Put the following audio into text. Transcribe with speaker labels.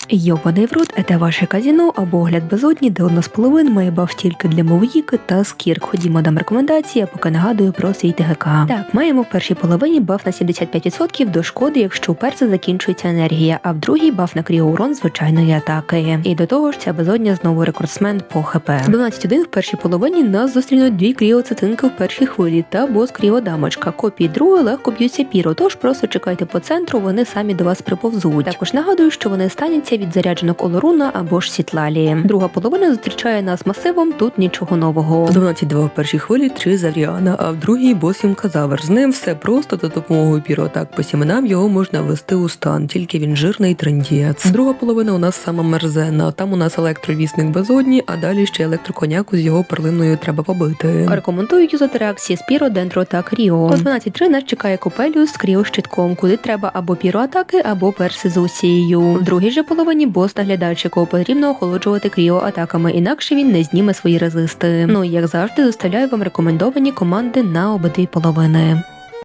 Speaker 1: Йобаний в рот – це ваше казіно або огляд безодні, де одна з половин має баф тільки для мовіки та скірк. Ходімо, дам рекомендації, а поки нагадую про свій ТГК. Так, маємо в першій половині баф на 75% до шкоди, якщо у перса закінчується енергія, а в другій баф на кріоурон звичайної атаки. І до того ж, ця безодня знову рекордсмен по ХП. 12.1 в першій половині нас зустрінуть дві кріоцитинки в першій хвилі та бос кріодамочка. Копії другої легко б'ються піро, тож просто чекайте по центру, вони самі до вас приповзуть. Також нагадую, що вони стануться від зарядженок Олоруна або ж Сітлалі. Друга половина зустрічає нас масивом, тут нічого нового.
Speaker 2: 12-2 в першій хвилі 3 Завріана, а в другій бос Юмказавр. З ним все просто, за допомогою піроатак по сіменам його можна ввести у стан, тільки він жирний трендієць. Друга половина у нас сама мерзена, там у нас електровісник безодні, а далі ще електроконяку з його перлиною треба побити.
Speaker 1: Рекомендую юзати реакції Спіро, Дендро та Кріо. По 12.3 нас чекає Копеліус з Кріо-щитком, куди треба або піроатаки, або перси з усією. В другій же половині бос-наглядач, якого потрібно охолоджувати кріо-атаками, інакше він не зніме свої резисти. Ну і як завжди, доставляю вам рекомендовані команди на обидві половини.